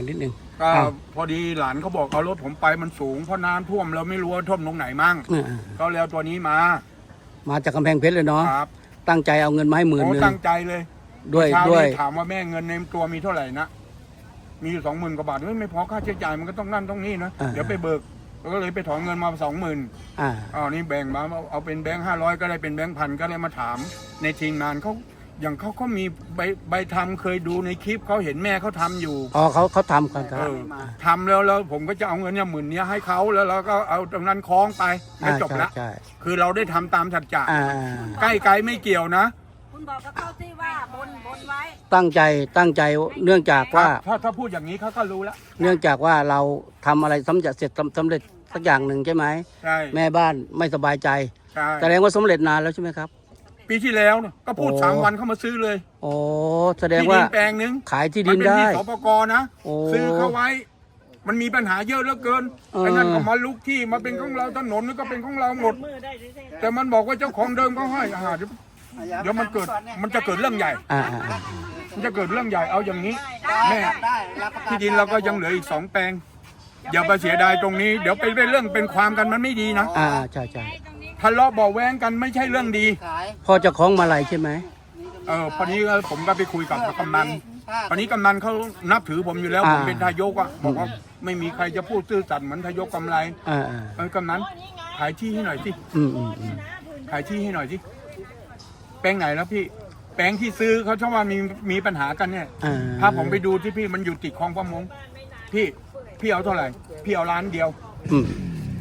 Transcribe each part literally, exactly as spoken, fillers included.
นิดนึงก็อ้าวพอดีหลานเขาบอกเอารถผมไปมันสูงเพราะน้ำท่วมเราไม่รู้ว่าท่วมตรงไหนมั่งอ่าก็แล้วตัวนี้มามาจากกำแพงเพชรเลยเนาะครับตั้งใจเอาเงินมาให้หมื่นโอ้หนึ่งตั้งใจเลยด้วยเช้าด้วยนี้ถามว่าแม่เงินในตัวมีเท่าไหร่นะมีอยู่สองหมื่นกว่าบาทเฮ้ยไม่พอค่าใช้จ่ายมันก็ต้องนั่นต้องนี่นะเดี๋ยวไปเบิกก็เลยไปถอนเงินมาสองหมื่นอ่าอ๋อนี่แบ่งมาเอาเป็นแบงค์ห้าร้อยก็ได้เป็นแบงค์พันก็เลยมาถามในทีมงานเขาอย่างเขาเขามีใบใบทำเคยดูในคลิปเขาเห็นแม่เขาทำอยู่อ๋อเขาเขาทำกันครัเอบ อทำแล้วแล้วผมก็จะเอาเงินเนี่ยหมื่นเนี้ยให้เขาแล้วเราก็เอาตรงนั้นคล้องไปก็อ่าจบละใช่คือเราได้ทำตามสัจจะอ่าใกล้ไกลไม่เกี่ยวนะคุณบอกกับเขาที่ว่าบนบนไว้ตั้งใจตั้งใจเนื่องจากว่าถ้าถ้าพูดอย่างนี้เขาก็รู้แล้วเนื่องจากว่าเราทำอะไรสำเร็จเสร็จสำสำเร็จสักอย่างหนึ่งใช่ไหมใช่แม่บ้านไม่สบายใจใช่แสดงว่าสำเร็จนานแล้วใช่ไหมครับปีที่แล้วเนี่ยก็พูดโอ้สามวันเข้ามาซื้อเลยโอ้แสดงที่ว่าดินแปลงนึงขายที่มัดินเป็นได้ที่สปกนะโอ้ซื้อเข้าไว้ มันมีปัญหาเยอะเหลือเกินเออไอ้นั่นก็มาลุกที่มาเป็นของเราถนนนี่ก็เป็นของเราหมด แต่มันบอกว่าเจ้าของเดิมเขาให้อ่าเดี๋ยวเดี๋ยวมันเกิดมันจะเกิดเรื่องใหญ่อ่าอ่าอ่ามันจะเกิดเรื่องใหญ่เอาอย่างนี้แม่ที่ดินเราก็ยังเหลืออีกสองแปลง อย่าไปเสียดายตรงนี้ เดี๋ยวไปเป็นเรื่องเป็นความกันมันไม่ดีนะอ่าใช่ใช่ทะเลาะเบาะแว้งกันไม่ใช่เรื่องดีพ่อเจะคล้าของมาลัยใช่ไหมเออพอนี้ผมก็ไปคุยกับกำนันตอนนี้กำนันเขานับถือผมอยู่แล้วผมเป็นทายกอ่ะบอกว่าไม่มีใครจะพูดซื่อสัตย์เหมือนทายกกำไรอ่าอ่าเออกำนันขายที่ให้หน่อยสิอืมอืมอืมขายที่ให้หน่อยสิแปลงไหนแล้วพี่ แปลงที่ซื้อเขาชอบว่ามีมีปัญหากันเนี่ยอ่าถ้าผมไปดูที่พี่มันอยู่ติดคลองประมงพี่พี่เอาเท่าไหร่ พี่เอาล้านเดียวอืม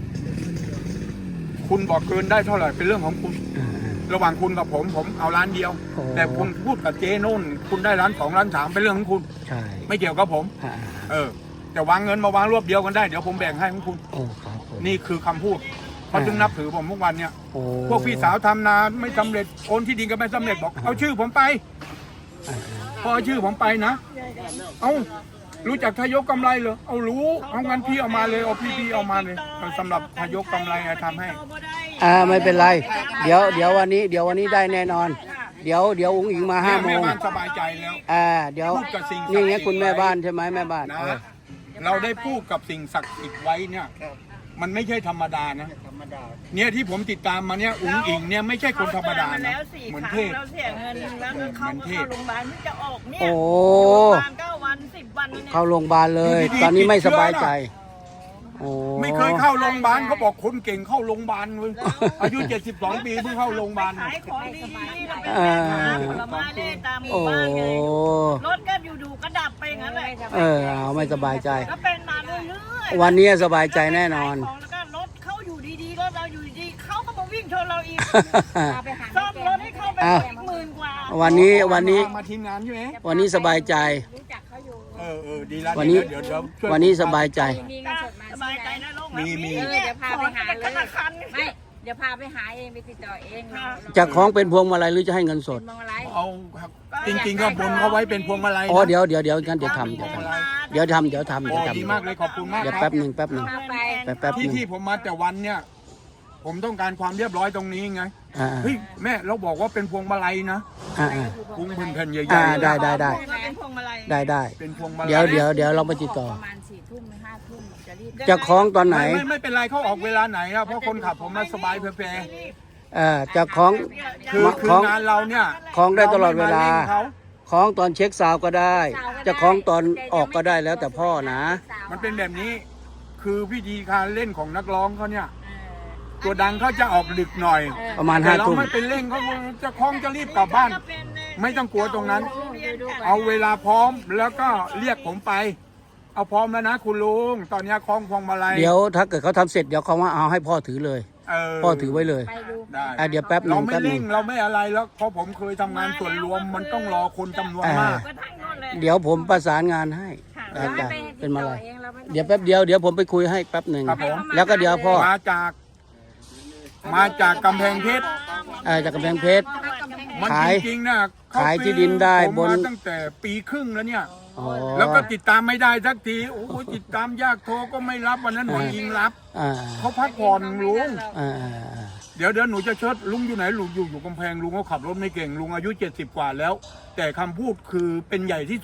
คุณบอกเกินได้เท่าไหร่เป็นเรื่องของคุณอ่าระหว่างคุณกับผมผมเอาล้านเดียวโอ้แต่คุณพูดกับเจ๊นุ่น คุณได้ล้านสองล้านสามเป็นเรื่องของคุณใช่ไม่เกี่ยวกับผมอ่าเออแต่วางเงินมาวางรวบเดียวกันได้เดี๋ยวผมแบ่งให้ของคุณโอ้ครับผมนี่คือคำพูดเขาจึงนับถือผมทุกวันเนี่ยโอ้พวกพี่สาวทำนาไม่สำเร็จโอนที่ดินก็ไม่สำเร็จบอกเอาชื่อผมไปอ่าพอเอาชื่อผมไปนะเอารู้จักทายกกำไรเหรอเอารู้เอางั้นพี่เอามาเลยเอาพี่พี่เอามาเลยสำหรับทายกกำไรอะทำให้อ่าไม่เป็นไร เดี๋ยวเดี๋ยววันนี้เดี๋ยววันนี้ได้แน่นอน เดี๋ยวเดี๋ยวอุ้งอิงมาห้าโมแม่งบ้านสบายใจแล้วอ่าเดี๋ยวพูดกับสิ่งศักดิ์สิทธิ์นี่ไงคุณแม่บ้านใช่ไหมแม่บ้านนะเออเราได้พูดกับสิ่งศักดิ์สิทธิ์ไว้เนี่ยมันไม่ใช่ธรรมดานะเนี่ยที่ผมติดตามมาเนี่ยอุ๋งอิงเนี่ยไม่ใช่คนธรรมดานะ เหมือนเทพเราเสียเงินแล้วก็เข้าเหมือนเทพเข้าโรงพยาบาลที่จะออกเนี่ยโอ้โรงพยาบาลเก้าวันสิบวันเนี่ยเข้าโรงพยาบาลเลยดีๆตอนนี้ไม่ติดเชื้สอบายใจโอ้ไม่เคยเข้าโรงพยาบาลเขาบอกคนเก่งเข้าโรงพยาบาลเว้ยอายุเจ็ดสิบสองปีเพิ่งเข้าโรงพยาบาลขายของดีๆเราเป็นอ่าแม่ค้าผลไม้ได้ตามหมู่โอ้บ้านไงรถก็อยู่ๆก็ดับไปอย่างนั้นแหละเออเอาไม่สบายใจก็เป็นมาเรื่อยๆวันนี้สบายใจแน่นอนขายของแล้วก็รถเขาอยู่ดีๆรถเราอยู่ดีๆเขาก็มาวิ่งชนเราอีกซ่อมรถให้เขาไปอ้าวอีกหมื่นกว่าวันนี้วันนี้มาทีมงานใช่ไหมวันนี้สบายใจเออเออดีแล้ววันนี้เดี๋ยวเดี๋ยวช่ยวันนี้สบายใจมีเงินสดมาสบายใจนะลูกนะมีมีเออเดี๋ยวพาไปหาขอเลธนาย คารไม่ เดี๋ยวพาไปหาเองไปติดต่อเองเราจะคล้องเป็นพวงมาลัยหรือจะให้เงินสดมองอะไรเอาครับจริงๆก็บนเขาไว้เป็นพวงมาลัยนะอ๋อเดี๋ยวเดี๋ยวเดี๋ยวงั้นเดี๋ยวทำเดี๋ยวทำเดี๋ยวทำเดี๋ยวทำโอ้เดี๋ยวทำดีมากเลยขอบคุณมากเดี๋ยวครัแป๊บบหนึ่งแป๊บหนึ่งพาไปแป๊บแป๊บหที่นึ่งที่ผมมาแต่วันเนี่ย ผมต้องการความเรียบร้อยตรงนี้ไงอ่าเฮ้ยแม่เราบอกว่าเป็นพวงมาลัยนะอ่าอ่าพุงเป็นแผ่นใหญ่อ่าๆได้ได้ได้เป็นพวงมาลัยได้ได้เป็นพวงมาลัยเดี๋ยวเดี๋ยวเดี๋ยวเราไปติดต่อประมาณสี่ทุ่มห้าทุ่มจะรีบจะคล้องตอนไหนไม่ไม่ไม่เป็นไรเขาออกเวลาไหนครับเพราะคนขับผมมาสบายเพลเออจะคล้องๆคือคือของงานเราเนี่ยคล้องได้ตลอดเวลารไม่มร่งเขาคล้องตอนเช็คซาวด์ก็ได้ จะคล้องตอนออกก็ได้แล้วแต่พ่อนะมันเป็นแบบนี้ คือวิธีการเล่นของนักร้องเขาเนี่ย ตัวดังเขาจะออกดึกหน่อยประมาณแต่ห้าเราทุ่มไม่เป็นเร่งเขาจะคล้องจะรีบกลับบ้าน ไม่ต้องกลัวตรงนั้น เอาเวลาพร้อมแล้วก็เรียกผมไป เอาพร้อมแล้วนะคุณลุงตอนนี้คล้องพวงมาลัยเดี๋ยวถ้าเกิดเขาทำเสร็จเดี๋ยวเขาว่าเอาให้พ่อถือเลยเออพ่อถือไว้เลยไปดูได้อ่ะเดี๋ยวแป๊บหนึ่เรางไม่แป๊บหนึ่เร่งงเราไม่อะไรแล้วเพราะผมเคยทำงานส่วนรวมมันต้องรอคนจำนวนมากก็ทั้งนู้นเลยเดี๋ยวผมประสานงานให้เราอาให้จารไปย์ติเป็ดนมาต่อเลยเองเราไม่ต้องเดี๋ยวแป๊บเดียวเดี๋ยวผมไปคุยให้แป๊บหนึ่งครับผมแล้วก็เดี๋ยวพ่อมาจาก มาจากกำแพงเพชรเอ่อจากกำแพงเพชรมันขายจริงๆนะเขขายที่ดินได้ผมบนมาตั้งแต่ปีครึ่งแล้วเนี่ยอ๋อแล้วก็ติดตามไม่ได้สักทีโอ้ยติดตามยากโทรก็ไม่รับวันนั้นหนูยิงรับอ่าเขาพักผ่อนลุงอ่าอ่าอ่าเดี๋ยวเดี๋ยวหนูจะเชิดลุงอยู่ไหนลุงอยู่อยู่กำแพงลุงเขาขับรถไม่เก่งลุงอายุเจ็ดสิบกว่าแล้ว แต่คำพูดคือเป็นใหญ่ที่สุด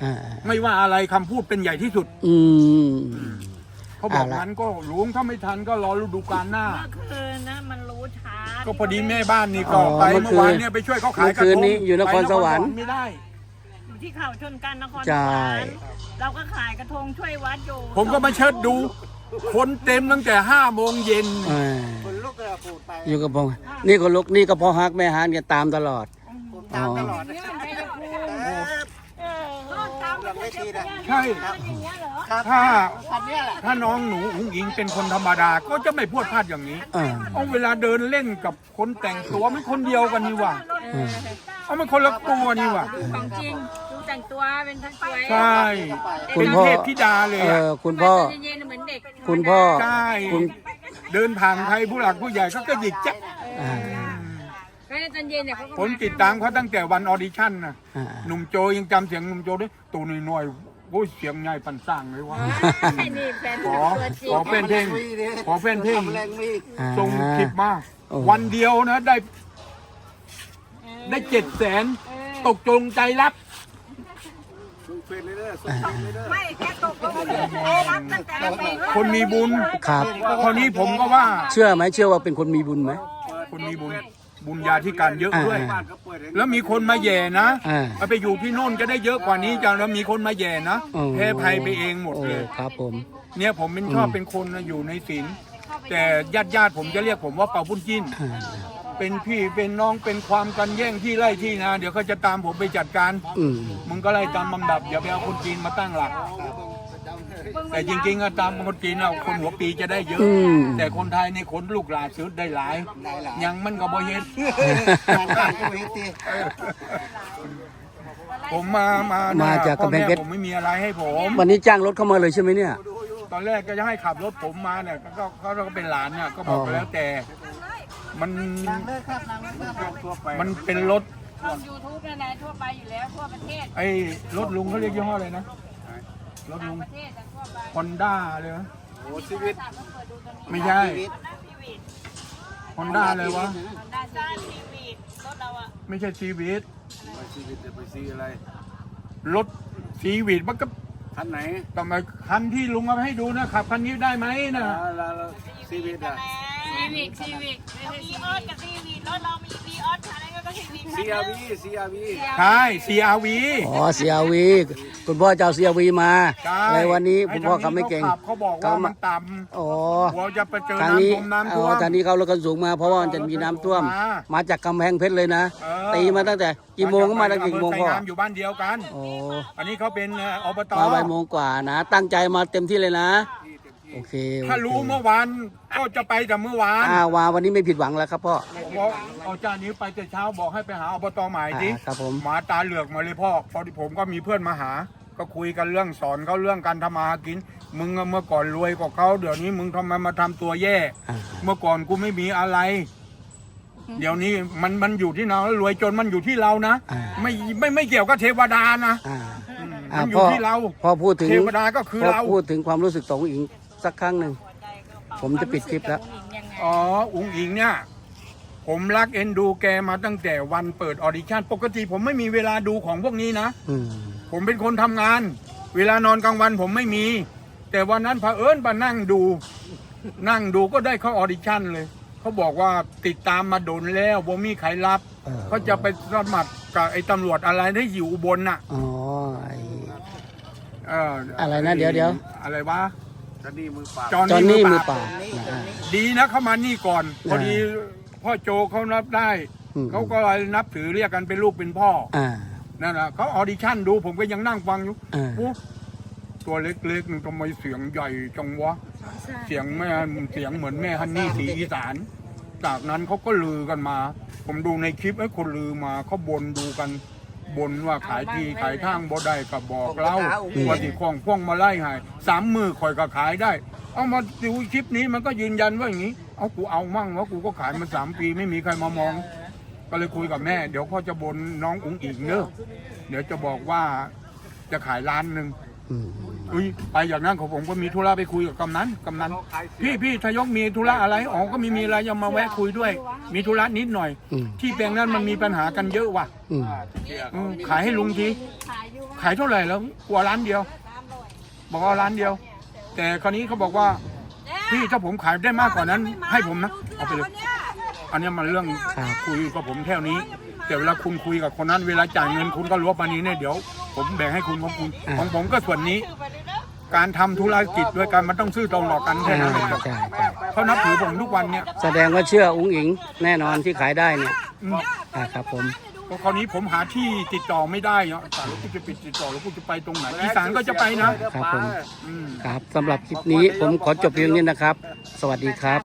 อ่าไม่ว่าอะไรคำพูดเป็นใหญ่ที่สุดอืมเขาบอกเอาละทันก็ลุงถ้าไม่ทันก็รอฤดูกาลหน้าเมื่อคืนนะมันรู้ช้าก็พอดีแม่บ้านนี่ก็ไปเมื่อวานเนี่ยไปช่วยเขาขายกระทงเมื่อคืนนี้อยู่นครสวรรค์ไปนคไม่ได้อยู่ที่เขาชนกันนครสใช่วรรค์เราก็ขายกระทงช่วยวัดอยู่ผมก็มาเชิดดู คนเต็มตั้งแต่ห้าโมงเย็นอ่าอยู่กับพ่อนี่ก็ลุกนี่ก็พ่อฮักแม่ฮันกันตามตลอดอ๋อนี่มันใช่ภูมิเออเออตามไม่ใช่เจ้าใช่อย่างเงี้ยเหรอถ้าถ้าน้องหนูอุ๋งอิงเป็นคนธรรมดาก็จะไม่พูดพลาดอย่างนี้อ่าเอาเวลาเดินเล่นกับคนแต่งตัวมันคนเดียวกันนี่หว่าอืมเอามันคนละตัวนี่หว่าดูของจริงดูแต่งตัวเป็นทั้งสวยใช่คุเป็ณนพ่อเทพธิดาเลยเออะอคุณพ่อเย็นๆเหมือนเด็กคุณพ่อใช่คุณเดินผ่านใครผู้หลักผู้ใหญ่เขาก็หยิกแจ๊ะอ่าก็ในตอนเย็นเนี่ยเขาก็ผมติดตามเขาตั้งแต่วันออดิชั่นนะอ่าหนุ่มโจยังจำเสียงหนุ่มโจได้ตัวน้อยๆโอ้ยเสียงใหญ่ปันสร้างเลยว่าไอ้นี่แฟนขอตัวจริงขอเป็นเพลงขอเป็นเพลงอ่าส่งคลิปมาโอ้วันเดียวนะได้ ได้เจ็ดแสนตกจงใจรับไม่แค่ตกลงไปเออรับตั้งแต่ปีคนมีบุญครับคนนี้ผมก็ว่าเชื่อไหมเชื่อว่าเป็นคนมีบุญไหมคนมีบุญ บุญญาธิการเยอะด้วยอ่าแล้วมีคนมาแย่นะอ่าเอาไปอยู่ที่โน่นก็ได้เยอะกว่านี้จังแล้วมีคนมาแย่นะโอ้แพ้ภัยไปเองหมดเลยโอ้ครับผมเนี่ยผมเป็นชอบเป็นคนนะอยู่ในศีลแต่ญาติญาติๆผมจะเรียกผมว่าเป่าบุญจิ้นอ่าเป็นพี่เป็นน้องเป็นความกันแย่งที่ไร่ที่นาเดี๋ยวเขาจะตามผมไปจัดการอืมมึงก็ไล่ตามลำดับอย่าไปเอาคนจีนมาตั้งหลัก แต่จริงๆอะตามคนจีนเอาคนหัวปีจะได้เยอะอืมแต่คนไทยในคนลูกหลานซื้อได้หลาย ยังมันก็บ่เห็นผมมามาเนี่ยมาจากกำแพงเพชรพ่อม่ผมไม่มีอะไรให้ผมวันนี้จ้างรถเข้ามาเลยใช่ไหมเนี่ยตอนแรกก็จะให้ขับรถผมมาเนี่ยก็เขาก็เป็นหลานเนี่ยก็บอกไปแล้วแต่มันมันเป็นรถช่องยูทูบเนี่ยนะทั่วไปอยู่แล้วทั่วประเทศไอ้รถลุงเขาเรียกยี่ห้ออะไรนะรถลุงประเทศแต่ทั่วไปฮอนด้าเลยนะโอ้ชีวิตต้องเปิดดูกันไม่ใช่ฮอนด้าเลยวะได้สิด้านทีวีรถเราอะไม่ใช่ซีวิตรถซีวิตมันก็คันไหนทำไมคันที่ลุงเอาไปให้ดูนะขับคันนี้ได้ไหมนะชีวิตอ่ะซีวิกซีวิกไม่มีใช่ออสกับทีวีรถเรามีวีออสอะไรก็ทีวีซีอาร์วีซีอาร์วีใช่ ซี อาร์ วีอ๋อ ซี อาร์ วี คุณพ่อจะเอา ซี อาร์ วี มาใช่ในวันนี้คุณพ่อไทเขาไม่เก่งขับเขาบอกว่ามันต่อ๋อำหัวจะไปเจอทางนี้น้ำท่วมน้ำอ๋ท่อวมทางนี้เขารถกันสูงมาเพราะว่ามันจะมีน้ำท่วมมามาจากกำแพงเพชรเลยนะเออตีมาตั้งแต่กี่โมงก็มาตั้งแต่กี่โมงไฟพ่อน้ำอยู่บ้านเดียวกันโอ้อันนี้เขาเป็นเอ่ออบตมาบ่ายโมงกว่านะ ตั้งใจมาเต็มที่เลยนะ โอเคโอเคถ้ารู้เมื่อวานก็จะไปแต่เมื่อวานอ่าวาวันนี้ไม่ผิดหวังแล้วครับพ่อบอกเอาจานนี้ไปแต่เช้าบอกให้ไปหาอบตใหม่ดิอ่าครับผมหมาตาเหลือกมาเลยพ่อพอดีผมก็มีเพื่อนมาหา ก็คุยกันเรื่องสอนเขาเรื่องการทำมาหากิน มึงอะเมื่อก่อนรวยกว่าเขาเดี๋ยวนี้มึงทำไมมาทำตัวแย่อ่าเมื่อก่อนกูไม่มีอะไร เดี๋ยวนี้มันมันอยู่ที่เราแล้วรวยจนมันอยู่ที่เรานะอ่าไม่ไม่ไม่เกี่ยวกับเทวดานะอ่าอืมอ่ามันอยู่พ่อที่เราพ่อพูดถึงเทวดาก็คือพ่อเราพูดถึงความรู้สึกของอิงสักครั้งหนึ่งผมจะปิดคลิปแล้วยังไงอ๋ออุ๋งอิงเนี่ย ผมรักเอ็นดูแกมาตั้งแต่วันเปิดออดิชั่นปกติผมไม่มีเวลาดูของพวกนี้นะอืมผมเป็นคนทำงาน เวลานอนกลางวันผมไม่มี แต่วันนั้นเผอิญมานั่งดู นั่งดูก็ได้เข้าออดิชั่นเลย เขาบอกว่าติดตามมาโดนแล้วบ่มีใครรับเออเขาจะไปสมัครกับไอ้ตำรวจอะไรที่อยู่อุบลน่ะอ๋อไอ้เอออะไรนะเดี๋ยวเดี๋ยวอะไรวะคันนี้มือเปล่าจอห์จอห์นนนี่นี่มืมืออเปเปล่าล่าอ่าดีนะเขามานี่ก่อน พอดีพ่อโจเขารับได้อืมเขาก็เลยนับถือเรียกกันเป็นลูกเป็นพ่ออ่านั่นแหละเขาออดิชั่นดูผมก็ยังนั่งฟังอยู่อ่าโอ้ตัวเล็กๆนึงทำไมเสียงใหญ่จังวะ เสียงแม่เสียงเหมือนแม่ฮันนี่สีอีสาน จากนั้นเขาก็ลือกันมา ผมดูในคลิปไอ้คนลือมาเขาบนดูกันบนว่าขายที่ขายทางบ่ได้กับบอกเล่าว่าที่คล้องพ่วงมาไล่ให้สามมือคอยก็ขายได้ เอามาดูคลิปนี้มันก็ยืนยันว่าอย่างนี้ เอากูเอามั่งว่ากูก็ขายมาสามปีไม่มีใครมามอง ก็เลยคุยกับแม่ เดี๋ยวเขาจะบนน้องอุ๋งอิงเนอะเดี๋ยวจะบอกว่าจะขายล้านหนึ่งอืมเอุ้ยไปอย่างนั้นของผมก็มีธุระไปคุยกับกำนันกำนันพี่พี่ทยกมีธุระอะไรอ๋อก็ไม่มีอะไรยังมาแวะคุยด้วย มีธุระนิดหน่อยอืมที่แปลงนั้นมันมีปัญหากันเยอะว่ะอืมอืมขายให้ลุงทีขายเท่าไหร่แล้วกลัวร้านเดียว บอกว่าร้านเดียว แต่คราวนี้เขาบอกว่าพี่ถ้าผมขายได้มากกว่านั้น ให้ผมนะเอาไปเลยอันนี้มันเรื่องครับคุยกับผมแค่นี้แต่เวลาคุณคุยกับคนนั้นเวลาจ่ายเงินคุณก็รวบมานี้เนี่ยเดี๋ยว ผมแบ่งให้คุณของคุณของผมก็ส่วนนี้ การทำธุรกิจด้วยกันมันต้องซื่อตรงต่อกันแค่อ่านั้นเองใช่ใช่เขานับถือผมทุกวันเนี่ยแสดงว่าเชื่ออุ้งอิงแน่นอนที่ขายได้เนี่ยอืมอ่าครับผมเพราะคราวนี้ผมหาที่ติดต่อไม่ได้เนาะแต่แล้วกูจะปิดติดต่อแล้วกูจะไปตรงไหนอีสานก็จะไปนะครับผมอืมครับสำหรับคลิปนี้ผมขอจบเพียงนี้นะครับ สวัสดีครับ